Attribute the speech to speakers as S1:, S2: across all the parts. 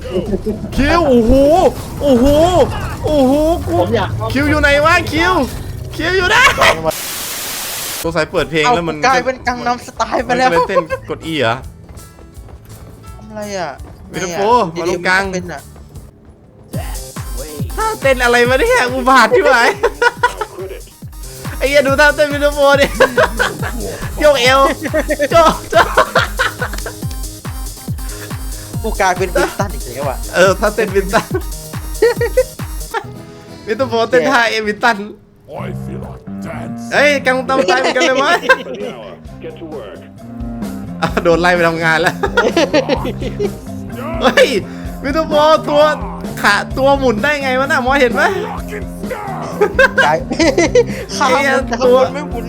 S1: คิวโอ้โหโอ้โหโอ้โหกู
S2: ผมอยาก
S1: คิวอยู่ไหนวะคิวอยู่ไหนตัวสายเปิดเพลง
S3: เอา
S1: แล้วมัน
S3: กลายเป็นกังนำสไตล์ไป
S1: มัน
S3: แล้ว
S1: ก็เลยเต้นกด E เหรอ
S3: ทำอะไรอ่ะ
S1: วิดีโอมาลงกลาง
S3: เป็นอ่ะ
S1: ท่าเต้นอะไรมาเนี่ยอุบาทที่ไหนไอ้เหี้ยดูท่าเต้นวิดีโอดิโยกเอวโจ๊ะ
S3: กูกลายเป็นวินตันอีกแล้วอ่ะ
S1: ท่าเต้นวินตันวิดีโอเต้นท่าเอวินตัน
S4: I feel like dance.
S1: เฮ้ยกังตามใจเหมือนกันเลยมั้ย
S4: Get to work.
S1: โดนไล่ไปทำงานแล้วเฮ้ยวิดีโอตัวขาตัวหมุนได้ไงวะน่ะมอเห็นไหม
S4: Rockin' star.
S3: กลายข้ามมันแต่ข้างบนไม่หมุน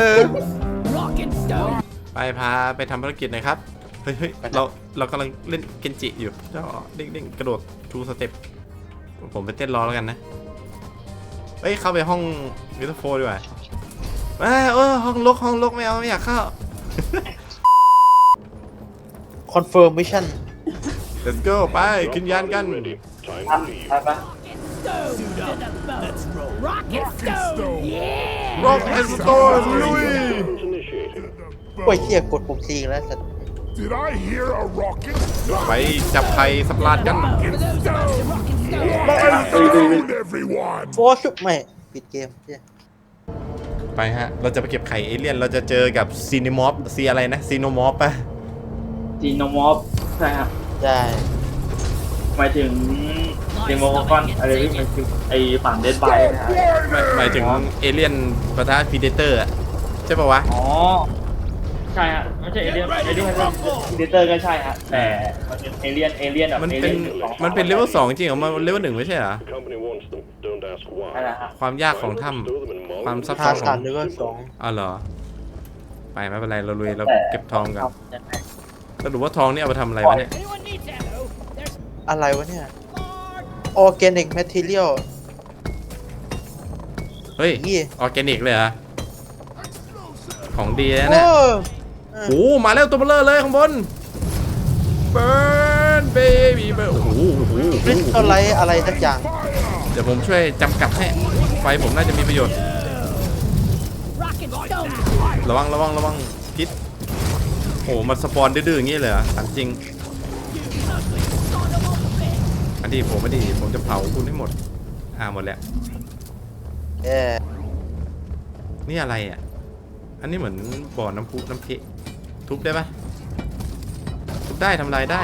S1: ไปพาไปทำภารกิจหน่อยครับเฮ้ยเรากำลังเล่นเกนจิอยู่เจ้าเด้งกระโดดทูสเต็ปผมไปเต้นรอแล้วกันนะเฮ้ยเข้าไปห้องวิดีโอดีกว่าห้องลกไม่เอาไม่อยากเข้า
S3: คอนเฟิร์มมิชั่น
S1: let's go ไปขึ้นยานกัน
S4: Ready. Time
S2: อ่ะ
S4: to leave.
S2: ไปปะ
S4: Rocket stone.
S1: rock and store ลุย
S4: Drones initiated.
S3: โอ้ยเหี้ยกดปุ่มซีแล้วสัตว์
S4: Did I hear a rocket?
S1: ไปจับไข่สับลาดกัน
S4: Food, everyone.
S3: โฟชุบไม่ปิดเกมเหี้ย
S1: ไปฮะเราจะไปเก็บไข่เอเลี่ยนเราจะเจอกับซีนิมอฟซีอะไรนะซีโนมอฟปะ
S2: จีโนมอฟใช่ครับ
S3: ได้
S2: หมายถึงเดโมคอนอะไรที่มันคือไอฝั่งเดดบายนะครับ
S1: หมายถึงเอเลี่ยนปะทะพีเดเตอร์ใช่ปะวะ
S2: อ๋อใช่ฮะไม่ใช่เอเลี่ยนเดเตอร์ก็ใช่ฮะแต่มันเป็นเอเลี่ยนแบบ
S1: มัน
S2: เอ
S1: เป็
S2: เลี่
S1: น
S2: ยนของ
S1: มันเป็นเลเวล2จริงเหรอมันเลเวล1ไม่ใช่เหรอ
S4: The company wants them. Don't ask
S2: อะไร
S4: why.
S2: ฮะ
S1: ความยากของถ้
S4: Stow them in
S1: ำความ
S4: Malmö.
S1: ซับ
S3: ทา
S1: ซ้อนข
S3: สั
S1: อน ง
S3: หรือว่าสอง
S1: อ๋อเหรอไปไม่เป็นไรเราลุยเรา
S2: แต่
S1: เก็บทองกัน
S2: ยังไง
S1: แล้วดูว่าทองนี่เอาไปทำอะไรวะเนี่ย
S3: อะไรวะเนี่ยออร์แกนิกแมทเทียล
S1: เฮ้ย
S3: ยี่
S1: ออร์แกนิกเลยเหรอของดีนะ
S3: โอ้
S1: เนี่ยโอ้มาแล้วตัวเบลอเลยข้างบนเบิร์นเบบี้เบิร์นโอ้โห
S3: คริสตัลไลท์อะไรสักอย่าง
S1: เดี๋ยวผมช่วยจำกัดให้ไฟผมน่าจะมีประโยชน์ระวังพิษโอ้มันสปอนดื้อๆอย่างงี้เลยเหรอถามจริงอันนี้ผมจะเผาคุณให้หมดหมดแล้ว
S3: เออ
S1: นี่อะไรอ่ะอันนี้เหมือนบ่อน้ำพุน้ำเพะทุบได้ปะทุบได้ทำลายได้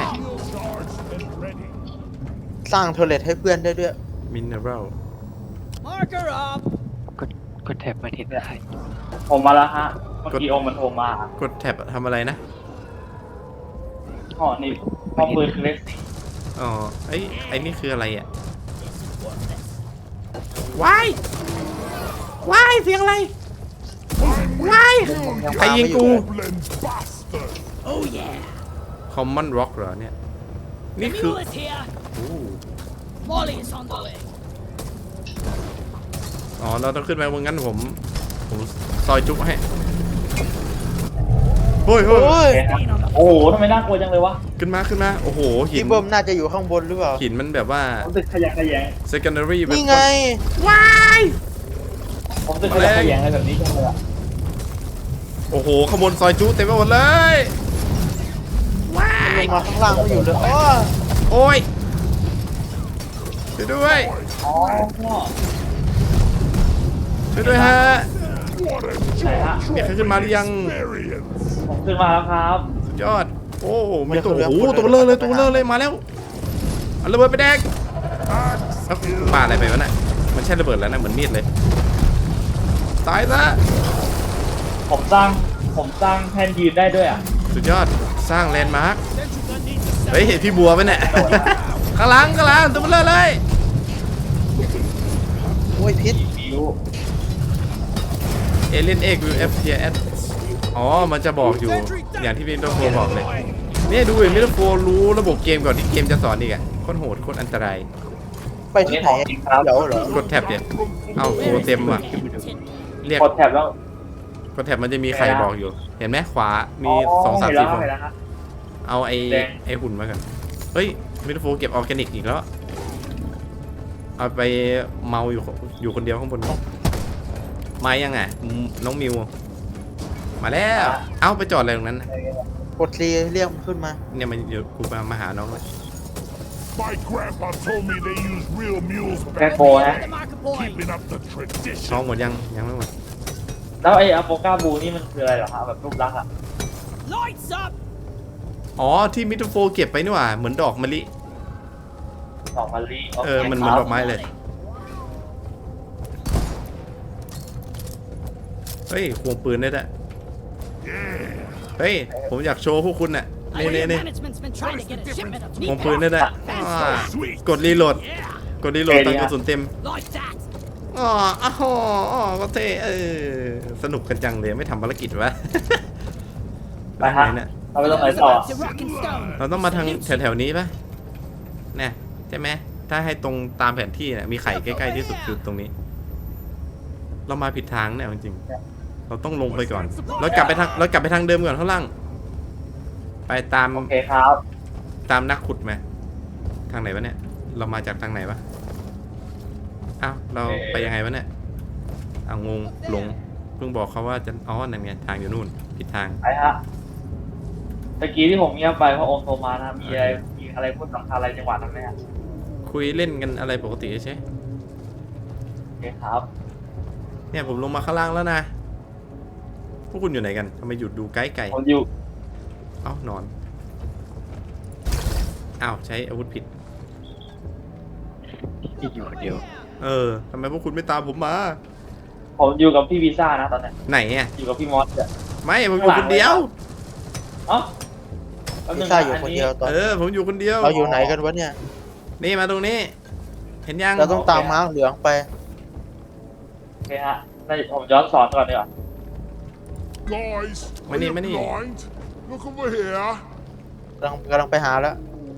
S3: สร้างโทเลตให้เพื่อนได้ด้วย
S1: มินเนอรัล
S5: กดแท็บมาทิศได้
S2: ผมมาแล้วฮะเมื่อกี้โอมมันโทรมาก
S1: ดแท็บทำอะไรนะ
S2: อ๋อนี่ป้อมปืนเล็ก
S1: อ๋อไอ้นี่คืออะไรอ่ะว้ายเสียงอะไรว้ายใครยิงกู
S4: Goblin bastard.
S1: Common Rock เหรอเนี่ย นี่คือโอ้
S6: Molly's on the way.
S1: อ๋อ เราต้องขึ้นไปบนงั้นผมซอยจุ๊ให้เฮ้ย
S3: โอ้ย
S2: โอ้โหทำไมน่ากลัวจังเลยวะ
S1: ขึ้นมาโอ้โหหิ
S3: พี่
S1: น
S3: เบิ้มน่าจะอยู่ข้างบนหรือเปล่า
S1: หินมันแบบว่า
S2: ผมตึกขยะแขยง
S1: secondary
S3: นี่ไง
S1: ว้าย
S2: ผมตึกขยะแขยงอะไรแบบนี้จังเลยอะ
S1: โอ้โหขบวนซอยจุ๊เต็มไปหมดเลยว้า
S3: ล
S1: ย
S3: งมาข้างล่างไม่อยู่เลยอ้อ
S1: โอ้ยช่วยด้วย
S2: อ๋อ
S1: ช่วยด้วยฮะ
S4: What a
S2: ใช่ฮะ
S1: มีใครขึ้นมาหรือยัง
S4: experience.
S2: ผมขึ้นมาแล้วครับ
S1: สุดยอด โอ้มีตัวโอ้โหตัวเบลอเลยมาแล้วเอาระเบิดไปแดกแล้วปาอะไรไปวะน่ะมันใช่ระเบิดแล้วนะเหมือนมีดเลยตายซะ
S2: ผมสร้างแทนยืนได้ด้วยอ่ะ
S1: สุดยอดสร้างแลนด์มาร์คเฮ้ยเห็นพี่บัวไหมเนี่ย ข้างหลังตัวเบลอเลย
S3: โอ้ยพิษ
S2: ฟิว
S1: เอเลนเอ็กวิวเอฟเทียเอสอ๋อมันจะบอกอยู่อย่างที่มิสเตอร์โฟบอกเลยเนี่ยดูมิสเตอร์โฟรู้ระบบเกมก่อนที่เกมจะสอนอีกอ่ะโคตรโหดโคตรอันตราย
S3: ไปที่ไหนเดี๋ยวเหรอก
S1: ดแท็บเนี่ยเอ้าโฟเต็มว่ะเรียก
S2: กดแท็บแล้ว
S1: กดแท็บมันจะมีใครบอกอยู่ เห็นไหมขวา มี
S2: อ๋อ
S1: 2 3
S2: เห็นแล้ว
S1: 4คน
S2: เห็นแล้วครับ
S1: เอาไอ้
S2: แดง
S1: ไอ้หุ่นมากันเฮ้ยมิทโฟเก็บออร์แกนิกอีกแล้วเอาไปเมาอยู่คนเดียวข้างบนมายังไงน้องมิวมาแล้วเอ้าไปจอดอะไรตรงนั้นนะ
S3: กดรีเรียกมันขึ้นมา
S1: เนี่ยมันอยู่กูมาหาน้องเลย
S4: My grandpa told me they use real mules
S2: แก
S4: back
S2: โกนะ
S6: The marker point.
S4: keeping up the
S1: น้อง
S4: tradition.
S1: หมดยังไม่หมด
S2: แล้วไอ้อโปกาบูนี่มันคืออะไรเหรอฮะแบบรูปลักษณ์อะ
S6: Lights up.
S1: อ๋อที่มิทโฟเก็บไปนี่หว่าเหมือนดอกมะลิ
S2: สองมะลิ
S1: มันเหมือนดอกไม้เลย เฮ้ยควงปืนได้ด้วยเฮ้ยผมอยากโชว์พวกคุณน่ะ
S6: I hear
S1: นี่
S6: management's been trying to get a shipment of
S1: ควง
S6: meat
S1: ปืนได้ด้วยกดรีโหลดกดรีโหลดตอนกระสุนเต็ม
S6: like that.
S1: อ๋อก็เท่สนุกกันจังเลยไม่ทำภารกิจวะ
S2: ไปฮะ
S1: เนี่ย
S2: เราไปตรงไหนต่อ
S6: To rock and stone.
S1: เราต้องมาทางแถวๆนี้ปะเนี่ยใช่ไหมถ้าให้ตรงตามแผนที่เนี่ยมีไข่ใกล้ๆที่สุดคือตรงนี้ เรามาผิดทางเนี่ยจริงๆเราต้องลงไปก่อนเรากลับไปทางเดิมก่อนข้างล่างไปตาม
S2: โอเคครับ
S1: ตามนักขุดไหมทางไหนวะเนี่ยเรามาจากทางไหนวะอ้าวเราไปยังไงวะเนี่ยอ้าวงงหลงเพิ่งบอกเขาว่าจะนั่นไงทางอยู่นู่นผิดทาง
S2: ไปฮะตะกี้ที่ผมเงียบไปเพราะโอมโทรมานะมีอะไรพูดสำคัญอะไรจังหวะนั้นไหมฮะ
S1: คุยเล่นกันอะไรปกติใช่
S2: โอเคครับ
S1: เนี่ยผมลงมาข้างล่างแล้วนะพวกคุณอยู่ไหนกันทำไมหยุดดูไกล
S2: ผมอยู่
S1: ๆเอ้านอนอ้าวใช้อาวุธผิด
S5: อยู่คนเดียว
S1: ทำไมพวกคุณไม่ตามผมมา
S2: ผมอยู่กับพี่วีซ่านะตอนนี้
S1: ไหนอ่ะ
S2: อยู่กับพี่มอสอะ
S1: ไม่ผมอยู่คนเดียว
S2: เอ้าแป๊บ
S3: พิ
S2: นึ
S3: ซ
S2: ง
S3: ซ่า
S2: นะ
S3: อยู่คนเดียวตอน
S1: ผมอยู่คนเดียว
S3: เราอยู่ไหนกันวะเนี่ย
S1: นี่มาตรงนี้ เห็นยัง
S3: เราต้องตามม้าเหลืองไป
S2: โอเคฮะผมย้อนสอนก่อนดีกว่า
S4: Guys, are
S1: Money,
S4: you
S1: money.
S4: blind? Look over here.
S3: กำลังไปหาแล้ว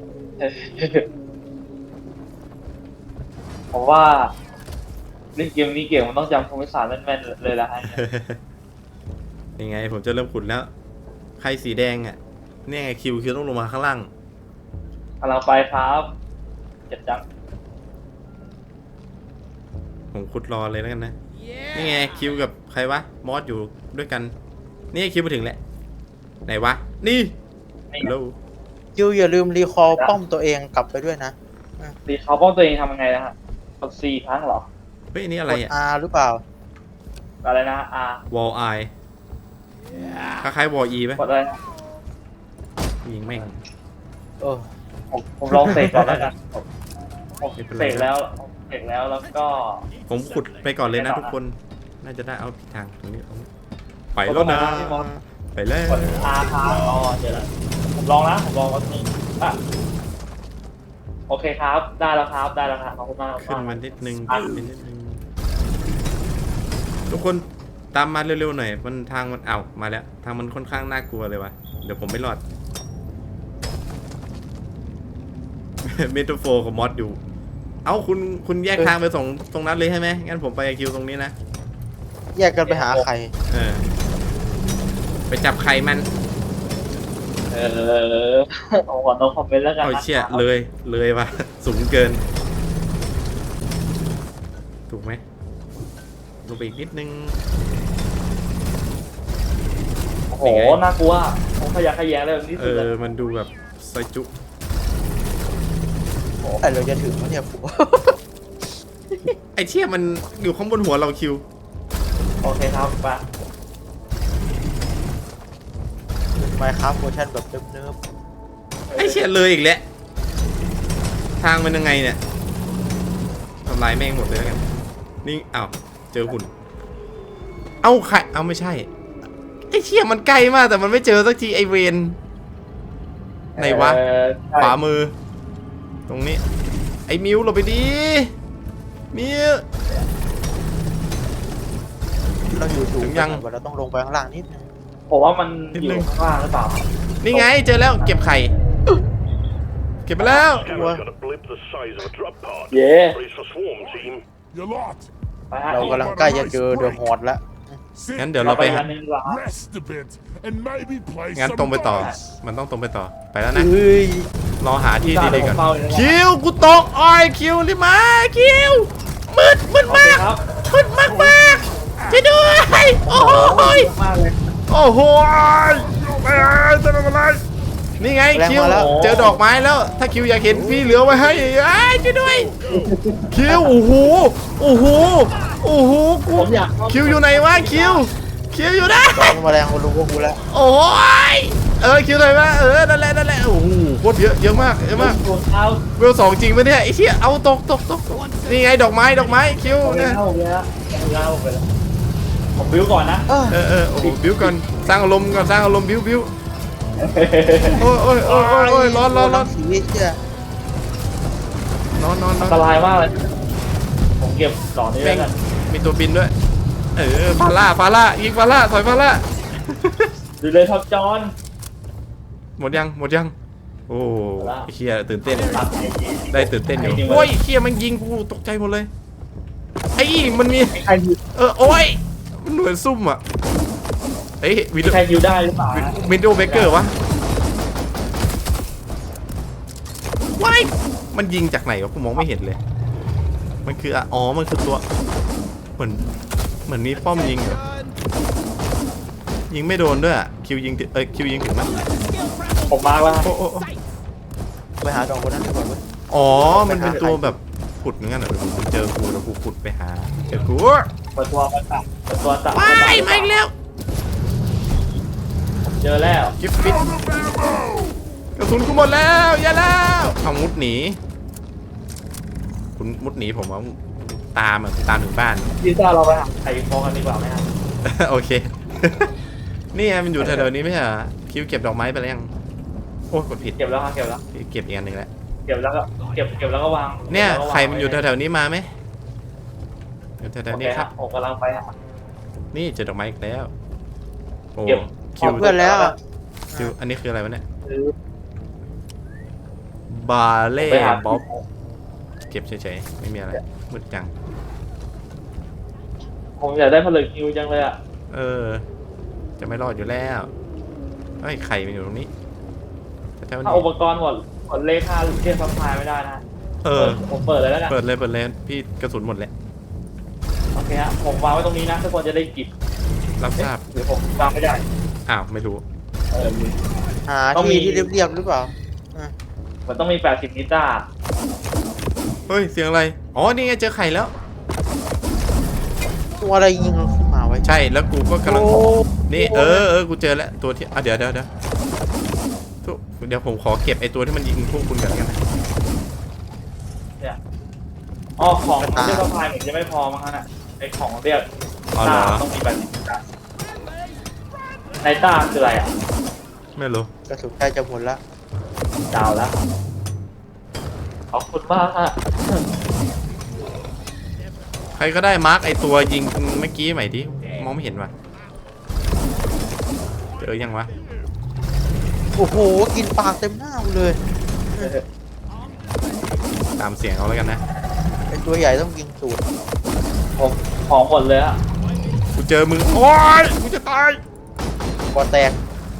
S2: ผมว่าเล่นเกมนี้เก่งมันต้องจำภูมิศาสตร์แม่นๆเลยละฮะ
S1: ยังไงผมจะเริ่มขุดแล้ว ใครสีแดงอ่ะเนี่ยไงคิวต้องลงมาข้างล่าง
S2: กำลังไปครับเจ็บจัง
S1: ผมขุดรอเลยแล้วกันนะ
S6: Yeah.
S1: นี่ไงคิวกับใครวะมอสอยู่ด้วยกัน นี่คิวมาถึงแล้วไหนวะ นี่
S2: นี่
S1: ฮัลโหล
S3: คิวอย่าลืมรีคอลป้อมตัวเองกลับไปด้วยนะ
S2: ตีเขาป้องตัวเองทำยังไงนะฮะกด C ครั้งเหรอ
S1: เฮ้ยอันนี่อะ
S3: ก
S1: ไร
S3: ด
S1: อ่ะ
S3: R หรือเปล่า
S2: อะไรนะ R
S1: วอลไอคล้ายๆวอลอีไหม
S2: กดอะไรนะ
S1: ยิงแม่ง
S3: เออ
S2: ผมลองเสกก่อนแล้วกันผม
S1: ไม่เป็นไร
S2: เสกแล้วแล้วก็
S1: ผมขุดไปก่อนเลยนะทุกคน น่าจะได้เอาผิดทางตรงนี้เอาไปแล้วนะ ไปแล้ว
S2: กด R ค้างอ๋อเดี๋ยวนะผมลองวันนี้อ่ะโอเคครับได้แล้วครับขอบคุณมาก
S1: ขึ้นมานิดนึงขึ้นนิดนึงทุกคนตามมาเร็วๆหน่อยมันทางมันมาแล้วทางมันค่อนข้างน่ากลัวเลยวะเดี๋ยวผมไม่รอด เมทัลโฟกับมอสอยู่คุณแยกทางไปตรงนั้นเลยใช่ไหมงั้นผมไปคิวตรงนี้นะ
S3: แยกกันไปหาใคร
S1: ไปจับไข่มัน
S2: ผมขอโน้ตคอมเมนต์แล้วกัน
S1: เอา
S2: นะ
S1: เชี่ยเลยว่ะ สูงเกิน ถูกไหมลงไปอีกนิดนึง
S2: โอ้โหน่ากลัวผมขยะแขยงเลยแบบนี้สุดเลย
S1: มันดูแบบซอยจุ
S3: แต่เราจะถึงแล้วเนี่ยผัว
S1: ไอเชี่ยมันอยู่ข้างบนหัวเราคิว
S2: โอเคครับไป
S3: ไมค์ครับเวอร์ชันแบบเนิบ
S1: ไอเชี่ยเลยอีกแล้วทางมันยังไงเนี่ยทำลายแม่งหมดเลยแล้วกันนี่เจอหุ่นไข่ไม่ใช่ไอเชี่ยมันใกล้มากแต่มันไม่เจอสักทีไอเวนไหนวะขวามือ ตรงนี้ไอมิวเราไปดีมิว
S3: ๆเราอยู่สูง
S1: ถึงยัง
S3: เราต้องลงไปข้างล่างนิดนึง
S2: ผมว่ามันอยู่ข้างล่างหรือเปล่า
S1: นี่ไงเจอแล้วเก็บไข่ เก็บไปแล้ว
S4: Scanner's got a blip the size of a drop pod.
S2: เย้
S4: Brace for swarm, team. You lot.
S2: ไปฮะ
S3: เรากำลังใกล้จะเจอเดอะฮอร์ดแล้ว
S4: Sit
S1: งั้นเดี๋ยวเราไป
S2: อันนึงดีกว่าฮะ
S4: rest a bit, and maybe play
S1: งั้น
S4: some
S1: ตรงไปต่อ
S4: dice.
S1: มันต้องตรงไปต่อ ไปแล้วนะ
S3: เฮ้ย
S1: รอหาที่ดีๆก่อน
S2: ผมเฝ้าอยู่นะ
S1: คิวกูตกอ้อยคิวรีบมาคิวมืด
S2: โอเค
S1: มาก
S2: ครับ
S1: มืดมากช่วยด้วยโอ้ย
S2: มากเลย
S1: โอ้โหจะทำอะไรนี่ไงคิวเจอดอกไม้แล้ว ถ้าคิวอยากเห็นพี่เหลือไว้ให้ช่วยด้วยคิวโอ้โหโอ้โหโอ้โหกู
S2: ผมอยาก
S1: คิวอยู่ไหนวะคิวอยู่ไหน
S3: ตอนมาแรงกูรู้พวกกูแล้ว
S1: โอ้ยคิวไหนวะนั่นแหละโอ้โหโคตรเยอะมาก
S2: ตัวเท้า
S1: เวล2จริงปะเนี่ยไอ้เชี่ยเอาตกนี่ไงดอกไม้คิว
S2: ผมเลย
S1: นะ
S2: นะผมเลยนะผมบิ้วก่อนนะ
S3: เออ
S1: โอ้โหบิ้วก่อนสร้างอารมณ์ก่อนสร้างอารมณ์บิ้วโอ้ยร้อน
S3: สีเชี่ย
S1: นอน
S2: อันตรายมากเลยผมเก็บดอกนี้
S1: แม่
S2: แล้ว
S1: ง
S2: กัน
S1: มีตัวบินด้วยฟาร่ายิงฟาร่าถอยฟาร่า
S2: ดูเลยท็อปจอน
S1: หมดยังโอ้ไอ้เชี่ยตื่นเต้น
S2: ตัด
S1: ได้ตื่นเต้นอยู่โอ้ยเชี่ยมันยิงกูตกใจหมดเลยไอ้มันมี
S2: ใครยิว
S1: โอ้ยมันเหมือนซุ่มอ่ะเฮ้ยวิด
S2: ใครยิวได้หรือเปล่า
S1: วินโดว์เบเกอร์วะว้ายมันยิงจากไหนวะกูมองไม่เห็นเลยมันคือมันคือตัวเหมือนมีป้อมยิงเหรอยิงไม่โดนด้วยคิวยิงคิวยิงถึงมั้ย
S2: ผมมาแล้ว
S1: โอ้
S3: ไปหาดอกคนนั้นดีกว่าเว้ย
S1: มันเป็นตัวแบบขุดเหมือนกันเหรอกูเจอกูแล้วกูขุดไปหาเจอกู
S2: เปิดตัวมาตัดเปิดตัวตัด
S1: ว้ายมาอีกแล้ว
S2: เจอแล้ว
S1: กิฟฟิตกระสุนกูหมดแล้วอย่าแล้วเอามุดหนีคุณมุดหนีผมว่าตามถึงบ้าน
S2: พี่ซ่าเราไปหาไข่ฟองกันดีกว่าไหมครับ
S1: โอเค นี่ไงมันอยู่แถวๆนี้ไม่ใช่เหรอคิวเก็บดอกไม้ไปแล้วยังโอ้กดผิด
S2: เก็บแล้วครับเก็บแล้ว
S1: เก็บอีกอันหนึ่งแล้ว
S2: เก็บแล้วก็เก็บแล้วก็วาง
S1: เนี่ย
S2: ก็วาง
S1: ใครมันอยู่แถวๆนี้มาไหมอยู่แถวๆนี้ครับ
S2: ผมกำลังไปหา
S1: นี่เจอดอกไม้อีกแล้วโอ้
S2: เก็บ
S1: คิว
S3: เพื่อนแล้ว
S1: คิวอันนี้คืออะไรวะเนี่ย
S2: ซื้อบ
S1: าเล่
S2: ไปหา
S1: บ๊อบเก็บเฉยๆไม่มีอะไรมืดจัง
S2: ผมอยากได้ผลึกคิวจังเลยอ่ะ
S1: จะไม่รอดอยู่แล้วไอ้ยไข่มันอยู่ตรงนี้แถวๆ
S2: ถ้า
S1: นี้
S2: อุปกรณ์หมดเลขค่าเทียบซัพพลายไม่ได้นะ ผมเปิดเลยแล้วกัน
S1: เปิดเลยพี่กระสุนหมดแล้ว
S2: โอเคฮะผมวางไว้ตรงนี้นะทุกคนจะได้กิบ
S1: รับทราบ
S2: หรือผมวางไม่ได้
S1: อ้าวไม่รู้
S3: หา
S2: ต้องมี
S3: ที่เรียบๆหรือเปล่า
S2: มันต้องมี80นิต้า
S1: เฮ้ยเสียงอะไรอ๋อนี่ไงเจอไข่แล้ว
S3: ตัวอะไรยิงเราขึ้นมาไว้
S1: ใช่แล้วกูก็กำลัง
S3: โอ้
S1: นี่กูเจอแล้วตัวที่เดี๋ยวผมขอเก็บไอตัวที่มันยิงพวกคุณกันนะ
S2: เนี่ยอ๋อของเทียบซัพพลายเหมือนจะไม่พอมั้งฮะน่ะไอของเรียก
S1: อ๋อเหร
S2: ต้า
S1: อ
S2: ต้องมี80นิต้าในต้าคืออะไรอ่ะ
S1: ไม่รู้
S3: กระสุนใกล้จะหมดละ
S2: ดาวแล้วขอบคุณมากฮะ
S1: ใครก็ได้มาร์กไอตัวยิงเมื่อกี้ใหม่ดิมองไม่เห็นว่ะเจอยังวะ
S3: โอ้โหกินปากเต็มหน้ากูเลย
S1: ตามเสียงเอาแล้วกันนะ
S3: เป็นตัวใหญ่ต้องกินสูตร
S2: ผมของหมดเลยอะ
S1: กูเจอมึงโอ๊ยกูจะตาย
S3: คอแตก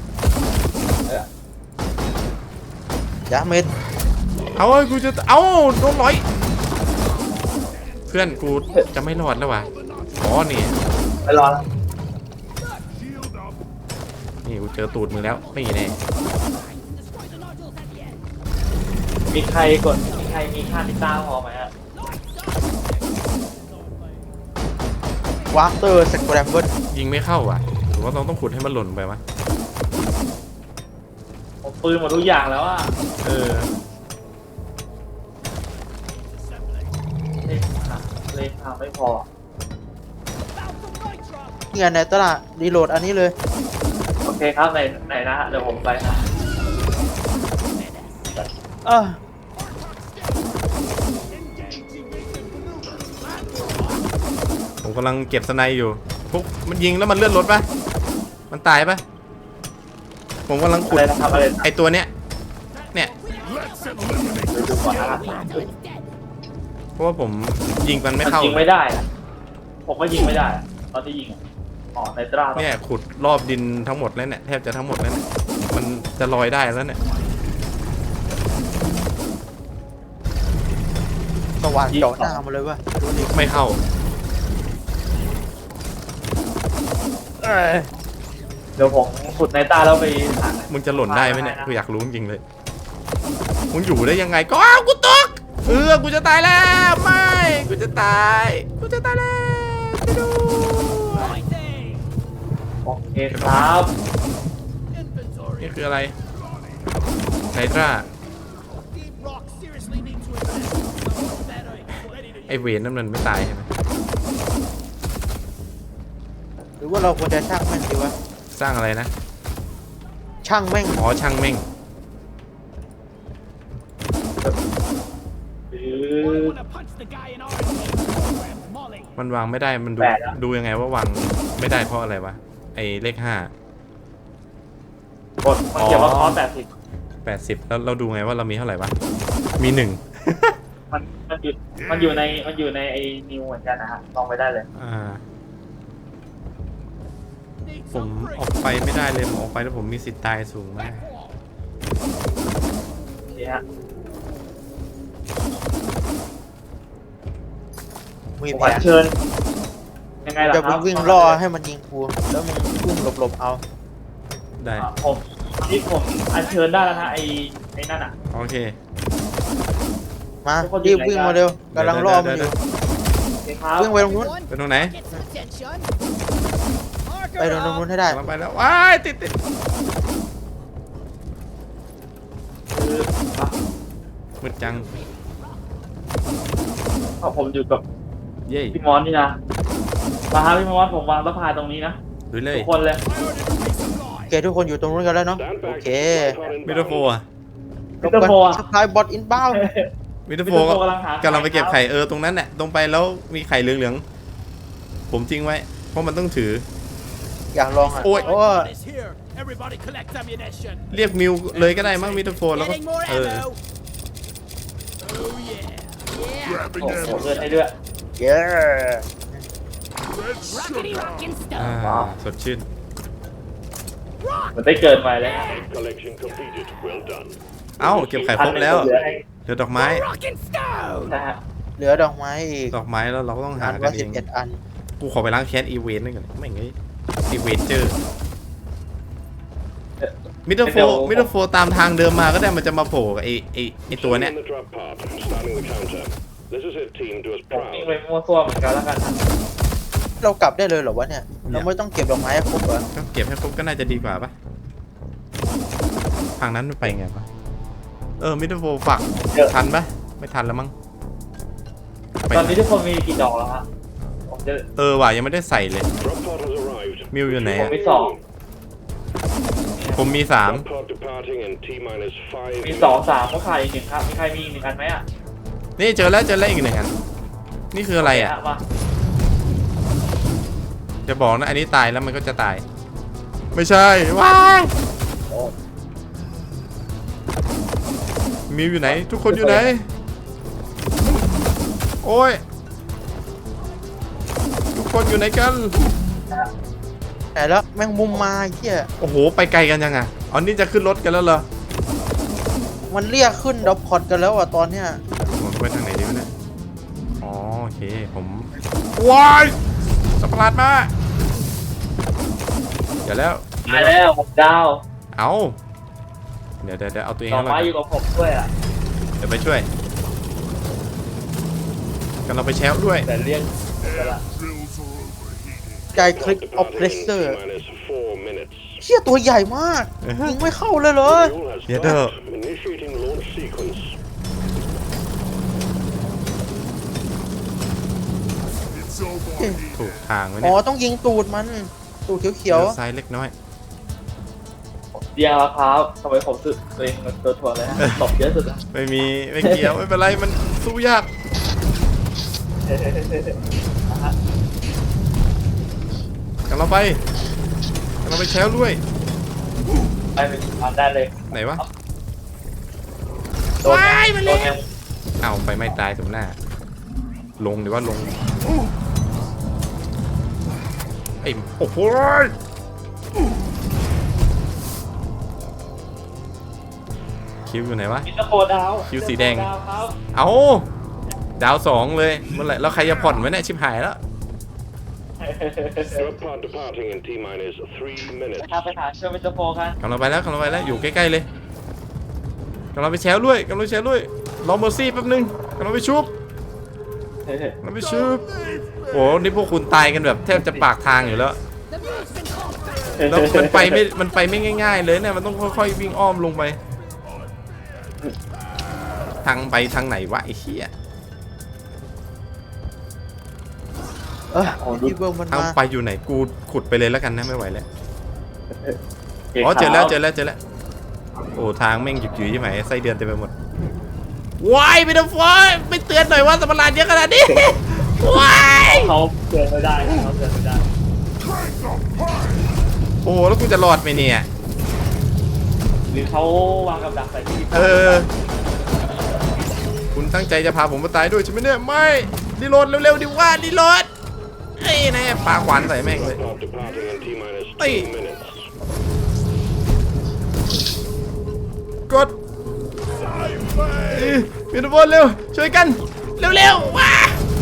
S3: ยาเม็ด
S1: เอาเอ้ยกูจะเอาโดนร้อยเพื่อนกูจะไม่รอดแล้ววะอ๋อนี่
S2: ไปรอแล้ว
S1: นี่กูเจอตูดมึงแล้วไม่แน่
S2: มีใครมีค่านิต้าพอไหมฮะ
S3: วาร์เตอร์สแครมเบิล
S1: ยิงไม่เข้าว่ะหรือว่าต้องขุดให้มันหล่นไปวะ
S2: ผมปืนหมดทุกอย่างแล้วอะ เลขาไม่พอ
S3: นี่ไงในตลาดรีโหลดอันนี้เลย
S2: โอเคครับไหนนะฮะเดี๋ยวผมไปนะ
S1: ผมกำลังเก็บสไนอยู่พวกมันยิงแล้วมันเลื่อนรถปะมันตายปะผมกำลังขุ
S2: อะ
S1: ด
S2: ไรนะครับอะไรนะ
S1: ไอตัวเนี้ยเนี่ย
S2: เดี๋ยวดูก่อนนะครับ
S1: เพราะว่าผมยิงมันไม่เข้า
S2: ยิงไม่ได้นะผมก็ยิงไม่ได้อะตอนที่ยิงอะอ๋อในตรา
S1: เนี่ยขุดรอบดินทั้งหมดแล้วเนี่ยแทบจะทั้งหมดแล้วเนี่ยมันจะลอยได้แล้วเนี่ย
S3: สว่านเจาะหน้ามาเลยวะดูดิ
S1: ไม่เข้า
S3: เอ้ย
S2: เดี๋ยวผมขุดในตาแล้วไปหา
S1: มึงจะหล่นได้ไหมเนี่ยกูอยากรู้จริงๆเลยมึงอยู่ได้ยังไงก็กูตกกูจะตายแล้วไม่กูจะตายแล้วไปดู
S6: Fighting!
S2: โอเคครับ
S6: Inventory!
S1: นี่คืออะไรไนตรา
S6: Deep Rock seriously need to invest. Someone better ready to
S1: ไอเวนนั่นมันไม่ตายใช่ไหม
S3: หรือว่าเราควรจะช่างแม่งดีวะ
S1: สร้างอะไรนะ
S3: ช่างแม่ง
S1: อ๋อช่างแม่ง
S6: I wanna punch the guy in orange. Molly.
S1: มันวางไม่ได้มันดูยังไงว่าวางไม่ได้เพราะอะไรวะไอเลข5
S2: กดมันเขียนว่าคอส
S1: 80แล้วเราดูไงว่าเรามีเท่าไหร่วะมี1
S2: มันอยู่ในไอ้นิวเหมือนกันนะฮะลองไปได้เลย
S6: Need
S1: ผม
S6: some
S1: ออกไปไม่ได้เลยผมออกไปแล้วผมมีสิทธิ์ตายสูงมาก
S2: นี่ฮะ
S3: มี
S2: ผม
S3: แผ
S2: อัญ
S3: น
S2: เชิญยังไงล่ะ
S3: จะ
S2: ครับ
S3: วิ่งล่อให้มันยิงกูแล้วมึงวิ่งหลบๆเอา
S1: ได้
S2: ผมนี่ผมอัญเชิญได้แล้วนะไอ้นั่นอ่ะ
S1: โอเค
S3: มารีบวิ่งมาเร็วกำลังล่อมันอยู่
S2: โอเคครับ
S3: วิ่งไปตรงนู้น
S1: ไปตรงไหน
S6: Get some attention.
S3: ไปตรงนู้นให้ได้
S1: กำลังไปแล้วว้ายติด
S2: คืออ่ะ
S1: มืดจัง
S2: ผมอยู่กับ
S1: เย้
S2: พี่มอนนี่นะมาฮะพี่มอนผมวางสะพายตรงนี้นะ
S1: ดูเลย
S2: ทุกคนเลย
S3: โอเคทุกคนอยู่ตรงนู้นกันแล้วเนาะโอเค
S1: มิโตโฟอะ
S2: มิสเตอร์โฟอ่ะ
S3: สปายบอทอินบ้า
S1: มิโตโฟ
S2: มิสเตอร์โฟกำลังหาก
S1: ำลังไปเก็บไข่ตรงนั้นแหละตรงไปแล้วมีไข่เหลืองๆผมทิ้งไว้เพราะมันต้องถือ
S3: อยากลองอ่ะ
S1: โอ้ย
S3: โอ้ย
S6: Is here. Everybody collect ammunition.
S1: เรียกมิวเลยก็ได้มั้งมิโตโฟแล้วก็
S6: Getting more
S1: เออ
S6: ammo. Oh yeah. Yeah.
S4: Grabbing
S2: โอ้โห
S4: ammo.
S2: เลือดให้ด้วย
S3: เย้
S4: Red
S6: Rockety
S4: sugar.
S6: rockin'
S1: อ่า
S6: stuff.
S1: สดชื่น
S2: มันได้เกินไปเลยฮะ
S4: Collection completed. Well done.
S1: เอ้าเก็บไข่ครบแล้ว
S2: เหลือให้
S1: เหลือดอกไม้
S6: Rockin' stone.
S2: นะฮะ
S3: เหลือดอกไม้อีก
S1: ดอกไม้แล้วเราก็ต้องหา
S3: อัน
S1: กั
S3: ว่าน
S1: เอ
S3: 11
S1: ง
S3: อัน
S1: กูขอไปล้างแค้นอีเวนต์นั่นก่อนไม่งั้นอีเวนเจอร์มิโตโฟตามทางเดิมมาก็ได้มันจะมาโผล่กับไอตัวเนี้ย
S4: Starting the drop part. Starting the counter. This is it, team. Do us
S2: ผมวิ่ง
S4: proud.
S2: ไปมั่วซั่วเหมือนกันแล้วกันนะ
S3: เรากลับได้เลยเหรอวะเนี่ยเราไม่ต้องเก็บดอกไม้ให้ครบเหรอ
S1: ก็เก็บให้ครบก็น่าจะดีกว่าปะทางนั้นมันไปไงปะมิโตโฟฝักทันปะไม่ทันแล้วมั้งไป
S2: ตอนนี้ทุกคนมีกี่ดอกแล้วฮะผมจะ
S1: ว่ะยังไม่ได้ใส่เลย
S4: Drop pod has arrived.
S1: มิวอยู่ไหน
S2: ผม
S1: อะ
S2: มีสอง
S1: ผมมี
S4: Drop pod departing in T minus 5.
S2: มีสองสามก็ขาดอีกหนึ่งครับมีใครมีอีกหนึ่งอันไหมอ่ะ
S1: 3นี่เจอแล้วอีกหนึ่งอันนี่คืออะไรอ่ะ
S2: มา
S1: จะบอกนะอันนี้ตายแล้วมันก็จะตาย ไม่ใช่ว้าย
S2: โอ้
S1: มิวอยู่ไหน ทุกคนอยู่ไหนโอ้ยทุกคนอยู่ไหนกัน
S3: แต่แล้วแมงมุมมาไอ้เหี้ย
S1: โอ้โหไปไกลกันยังอ่ะอ๋อนี่จะขึ้นรถกันแล้วเหรอ
S3: มันเรียกขึ้นดอกพอดกันแล้วอ่ะตอนเนี้ย
S1: ผมไปทางไหนดีวะเนี่ยอ๋อโอเคผมว้ายสัตว์ประหลาดมาเดี๋ยวแล้ว
S2: ตายแล้วผมดาว
S1: เอาเดี๋ยวเอาตัวเอง
S2: ดอก
S1: ให้รอ
S2: ไม้
S1: ด
S2: อยู่กับผมด้วยอ่ะ
S1: เดี๋ยวไปช่วยกันเราไปแชร์ด้วย
S2: แต่เรียก
S4: Drills are overheating.
S3: ใจคลิกออฟเพรสเซอร์
S4: T minus 4 minutes.
S3: เชี่ยตัวใหญ่มากยิงไม่เข้าเลยเหรอ
S4: Fuel has
S1: Yeah,
S4: stopped. Initiating launch sequence. It's overheating.
S1: ถูกทางไว้
S3: อ๋
S1: เนี่
S3: อย ต้องยิงตูดมันตูดเขียว
S1: เลี้ยวซ้ายเล็กน้อย
S2: เดียวครับทำไมผมสึกตัวเองมันตัวถ่วงเลยฮะตบเยอะสุดอะ
S1: ไม่เกี่ยวไม่เป็นไรมันสู้ยากกันเราไปแชร์ด้วย
S2: ไปเป็นทางได้เลย
S1: ไหนวะ
S2: โดนโดนยัง
S1: เอาไปไม่ตายสมหน้าลงหรือว่าลงไอ้โอ้โหคิวอยู่ไหนวะ
S2: มิสเตอร์โคดาว
S1: คิวสีแดง
S2: มิสเตอร์โคดาวครับ
S1: เอาดาว2เลยเมื่อไหร่แล้วใครจะผ่อนไว้เนี่ยชิบหายแล้ว
S7: Your pod departing in T-minus 3 minutes.
S2: นะครับไปหาเชอร์เมนเตอร์โฟกัน
S1: กำลังไปแล้วอยู่ใกล้ๆเลยกำลังไปแชร์ด้วยรอเมอร์ซี่แป๊บนึงกำลังไปชุบโอ้นี่พวกคุณตายกันแบบแทบจะปากทางอยู่แล้ว
S6: The move's been called back.
S1: แล้วมันไปไม่ง่ายๆเลยเนี่ยมันต้องค่อยๆวิ่งอ้อมลงไปทางไหนวะไอ้เหี้ย
S3: ที่เบิร์มัน
S1: ทาง
S3: มา
S1: ไปอยู่ไหนกูขุดไปเลยแล้วกันนะไม่ไหวแล้วอ๋อเจอแล้วโอ้ทางแม่งหยุยๆใช่ไหมไส้เดือนเต็มไปหมดว้ายไม่ต้องฟ้าไม่เตือนหน่อยว่าสัมภาระเยอะขนาดนี้ว้าย
S2: เขาเตือนไม่ได้เขาเตือนไม่ได้
S1: โอ้แล้วกูจะรอดไหมเนี่ย
S2: หรือเขาวางกับดักใส่ที่
S1: คุณตั้งใจจะพาผมมาตายด้วยใช่ไหมเนี่ยไม่รีโหลดเร็วๆดิว่ารีโหลดไอ้แน่ปาขวานใส่แม่งเลย
S7: Pod departing in T-minus 2
S1: Hey.
S7: minutes.
S1: กดมินบอลเร็วช่วยกันเร็วๆว้า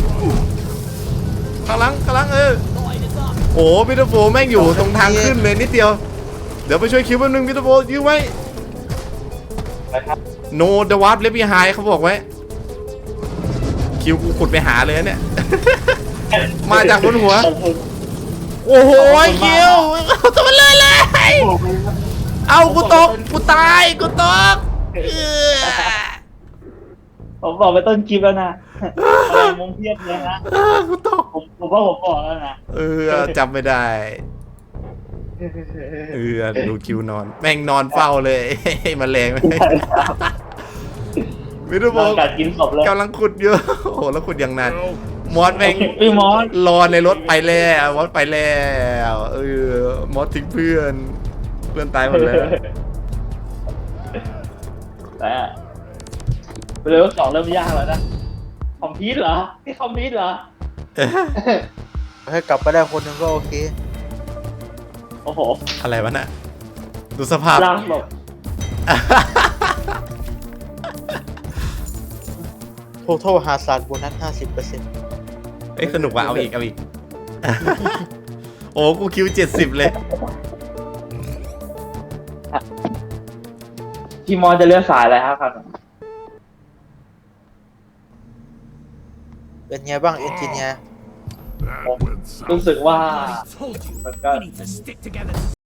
S1: ข้างหลังโอ้มินโฟแม่งอยู่ตรงทางขึ้นเลยนิดเดียวเดี๋ยวไปช่วยคิวแป๊บนึงมินโฟยื้อไว้
S2: นะครับ
S1: โนเดวาร์ฟเลฟบีไฮเขาบอกไว้คิวกูขุดไปหาเลยนะเนี่ย มาจากบนหัว โอ้โหคิวตัวมันเลยเอากูตกกูตายกูตก
S2: ผมบอกไปต้นคลิปแล้วนะอะไรมุมเพียบเลยนะ
S1: กูตก
S2: ผมว่าผมบอกแล้วนะ
S1: จำไม่ได้ดูคิวนอนแม่งนอนเฝ้าเลยมาแรงไหมมิโดโบ
S2: กัดกินศพเลย
S1: กำลังขุดเยอะโอ้โหแล้วขุดอย่างนานมอสแม่ง
S2: พี่มอส
S1: รอในรถไปแล้วมอสไปแล้วมอสทิ้งเพื่อนตายหมดแล้ว
S2: แต่เรื่องสองเริ่มยากแล้วนะคอมพิวต์เหรอนี่คอมพิวต์เหรอ
S3: ให้กลับไปได้คนหนึ่งก็โอเค
S2: โอ้โห
S1: อะไรวะน่ะดูสภาพ
S2: ร่างแบบ
S3: total หาศาสตร์โบนัส 50%
S1: สนุกว่ะเอาอีก โอ้กูคิว70เลย
S2: พี่มอสจะเลือกสายอะไรครับครับ
S3: เป็นไงบ้างเอนจิเนียร์
S4: That went south.
S2: รู้สึกว่า
S6: I told you.
S2: But God.
S6: We need to stick together.